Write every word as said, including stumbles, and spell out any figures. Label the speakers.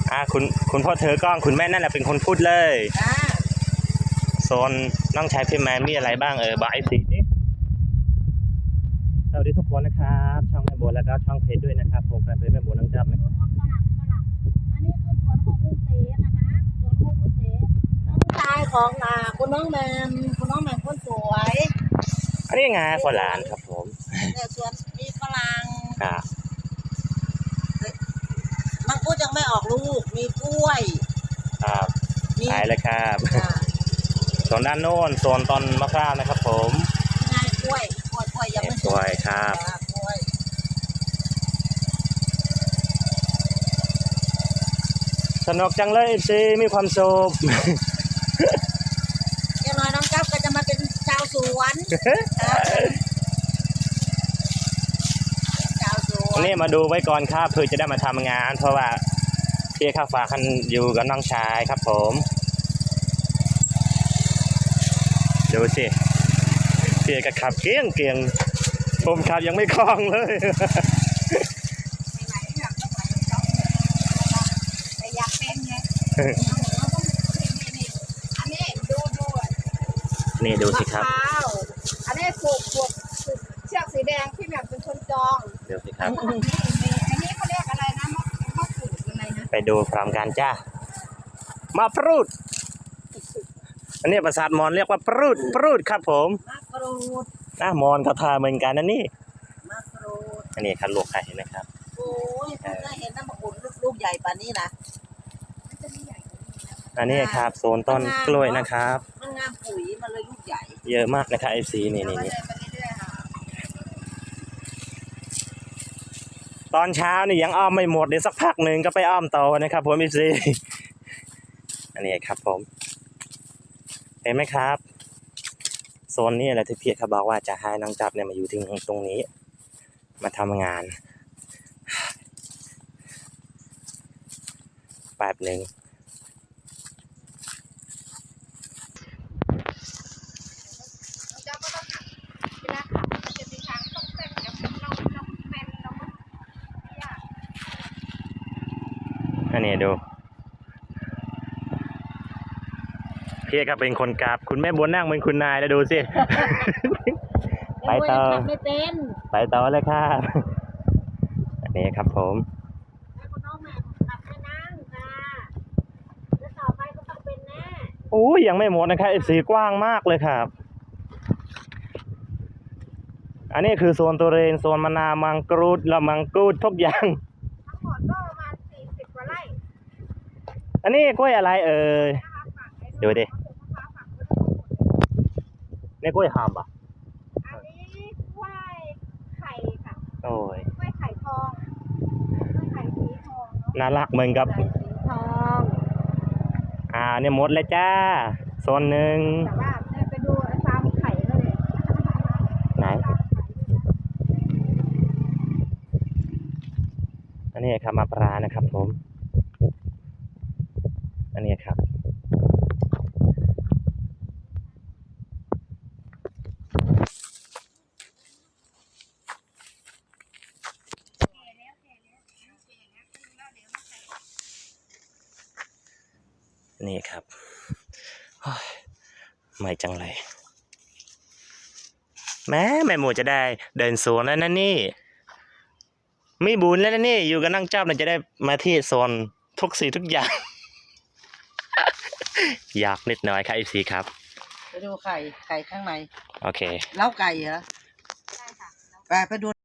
Speaker 1: อ่าคุณคุณพ่อเธอกล้องคุณแม่นั่นแหละเป็นคนพูดเลยโซนน้องชายพี่แมนมีอะไรบ้างเออบายสีนี่สวัสดีทุกคนนะครับช่องแม่โบแล้วก็ช่องเพจด้วยนะครับผมแฟนเพจแม่โบน้องจับนะครับ
Speaker 2: อันนี้คือสวนของลุงเสนะคะสวนของลุงเสน้องชายของอ่าคุณน้องแมมคุณน้องแมมคนสวย
Speaker 1: อันนี้ไงฝรั่งครับผม
Speaker 2: เนี่ยสวนมีฝรั่ง
Speaker 1: ครับ
Speaker 2: มังคุดยังไม่ออกลูกมีกล้วย
Speaker 1: ครับขายเลยครับส่วนด้านโน้นโซนต้นมะพร้าวนะครับผม
Speaker 2: ง่ายกล้วยกล้วยกล้วยยังไม่
Speaker 1: สวยครับ
Speaker 2: กล้วย
Speaker 1: สนุกจังเลยสิมีความสุข
Speaker 2: อย่างน้อยน้องจับก็จะมาเป็นชาวสวนชาวสวน
Speaker 1: นี่มาดูไว้ก่อนครับเพื่อจะได้มาทำงานเพราะว่าพี่ข้าวฟ้าคันอยู่กับน้องชายครับผมดูสิพี่ก็ขับเกี้ยงเกียงผมขับยังไม่คล่องเลย
Speaker 2: อยากเป็นไงอันนี้ดูดู
Speaker 1: นี่ดูสิครับ
Speaker 2: อันนี้ผูกผูกเชือกสีแดงที่แบบเป็นคนจอง
Speaker 1: ดูสิครับ
Speaker 2: อันนี้เขาเรียกอะไรนะมะมะกรูดอะไรนะ
Speaker 1: ไปดูพร้อมกันจ้ามาปรูดอันนี้ภาษามอญเรียกว่าปรูดปรูดครับผม
Speaker 2: มะกรูด
Speaker 1: นะมอญเขาทาเหมือนกันนะนี่
Speaker 2: มะกรูด
Speaker 1: อันนี้คันลวกไข่เห็นไหมครับ
Speaker 2: โอ้ยเพิ่งเคยเห็นน้ำมะกรูดลูกใหญ่ป่านนี้นะ
Speaker 1: อันนี้ครับโซนต้นกล้วยนะครับ
Speaker 2: มันงามปุ๋ยมันเลยลูกใหญ่
Speaker 1: เยอะมากนะครับไอซีนี่นี่ตอนเช้านี่ยังอ้อมไม่หมดเดี๋ยวสักพักหนึ่งก็ไปอ้อมต่อนะครับผมไอซีอันนี้ครับผมเห็นไหมครับโซนนี้แหละที่พี่เขาบอกว่าจะให้น้องจับเนี่ยมาอยู่ที่ตรงนี้มาทำงานแป๊บหนึ่งอันนี้ดูพี่ก็เป็นคนกราบคุณแม่บัวนั่งเป็นคุณนายแล้วดูสิไปต่อ
Speaker 2: ไม่เป็น
Speaker 1: ไปต่อเลยครับอันนี้ครับผม
Speaker 2: คุณน้องแม่ขับไม่นั่งค่ะแล้วต่อไปก็ต้องเป็นแน่
Speaker 1: โอ้ยยังไม่หมดนะครับสีกว้างมากเลยครับอันนี้คือโซนตุเรนโซนมะนาวมังกรูดละมังกรูดทุกอย่าง
Speaker 2: ทั้งหมดก็ประมาณสี่สิบกว่าไร่
Speaker 1: อันนี้กล้วยอะไรเอ่ยดูดินี่กล้วยหามป่ะ
Speaker 2: อันนี้กล้วยไข่ค่ะ
Speaker 1: โอ้ย
Speaker 2: กล้วยไข่ทองกล้วยไข่สีทอง
Speaker 1: น่ารักเหมือนกับ
Speaker 2: สีทอง
Speaker 1: อ่าเนี่ยหมดเลยจ้าโซนหนึ่ง
Speaker 2: แต่ว่าไปดูฟาร์มไข่เลย
Speaker 1: ไหนอันนี้ครับมะปรางนะครับผมอันนี้ครับนี่ครับไม่จังเลยแม้แม่หมูจะได้เดินสวนแล้วนะนี่มีบุญแล้วนะนี่อยู่กับนั่งจับเนี่ยจะได้มาที่โซนทุกสิ่งทุกอย่างอยากนิดหน่อยครับไอซีครับ
Speaker 2: ไปดูไข่ไข่ข้างใน
Speaker 1: โอเค
Speaker 2: เล้าไก่เหรอใช่ค่ะไปไปดู